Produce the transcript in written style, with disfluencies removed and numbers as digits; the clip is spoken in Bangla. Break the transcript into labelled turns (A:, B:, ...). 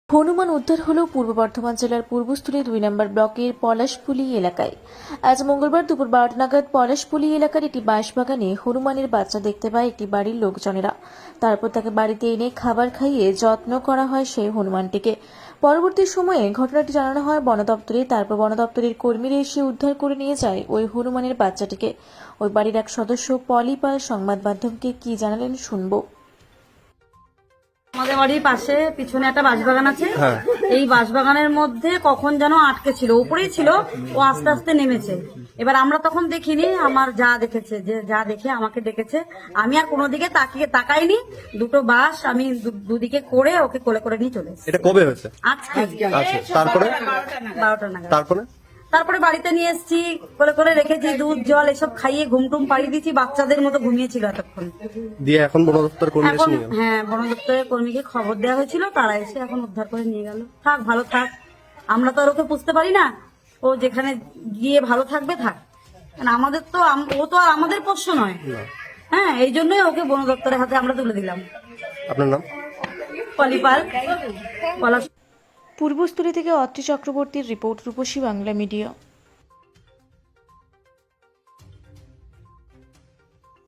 A: হনুমান উদ্ধার হলো পূর্ব বর্ধমান জেলার পূর্বস্থলী 2 নম্বর ব্লকের পলাশপুলি এলাকায়। আজ মঙ্গলবার দুপুর 12টা নাগাদ পলাশপুলি এলাকার একটি বাঁশবাগানে হনুমানের বাচ্চা দেখতে পায় একটি বাড়ির লোকজনেরা। তারপর তাকে বাড়িতে এনে খাবার খাইয়ে যত্ন করা হয় সেই হনুমানটিকে। পরবর্তী সময়ে ঘটনাটি জানানো হয় বন দপ্তরে। তারপর বন দপ্তরের কর্মীরা এসে উদ্ধার করে নিয়ে যায় ওই হনুমানের বাচ্চাটিকে। ওই বাড়ির এক সদস্য পলি পাল সংবাদ মাধ্যমকে কি জানালেন শুনবো।
B: আমাদের বাড়ির পাশে পিছনে একটা বাঁশবাগান আছে। এই বাঁশবাগানের মধ্যে কখন যেন আটকে ছিল, উপরেই ছিল, ও আস্তে আস্তে নেমেছে। এবার আমরা তখন দেখিনি, আমার যা দেখেছে, যে যা দেখে আমাকে ডেকেছে। আমি আর কোনো দিকে তাকাইনি। দুটো বাঁশ আমি দুদিকে করে ওকে কোলে করে নিয়ে চলে এসেছি।
C: এটা কবে হয়েছে?
B: আজকে।
C: আচ্ছা, তারপরে
B: 12টা নাগাদ।
C: তারপরে
B: বাড়িতে নিয়ে এসেছি, কোলে করে রেখেছি, দুধ জল এসব খাইয়ে ঘুমটুম পাড়িয়ে দিয়েছি। বাচ্চাদের মতো ঘুমিয়েছিল এতক্ষণ।
C: দিয়ে এখন বন দপ্তর কর্মী এসে নিয়ে গেল।
B: হ্যাঁ, বন দপ্তরের কর্মীকে খবর দেওয়া হয়েছিল, তারা এসে এখন উদ্ধার করে নিয়ে গেল। থাক, ভালো থাক। আমরা তো আর ওকে বুঝতে পারি না, ও যেখানে গিয়ে ভালো থাকবে থাক। আমাদের তো ও তো আর আমাদের পোষ্য নয়। হ্যাঁ, এই জন্যই ওকে বন দপ্তরের হাতে আমরা তুলে দিলাম।
C: আপনার নাম?
B: পলিপাল,
A: পূর্বস্থলী থেকে অত্রি চক্রবর্তীর রিপোর্ট, রূপসী বাংলা মিডিয়া।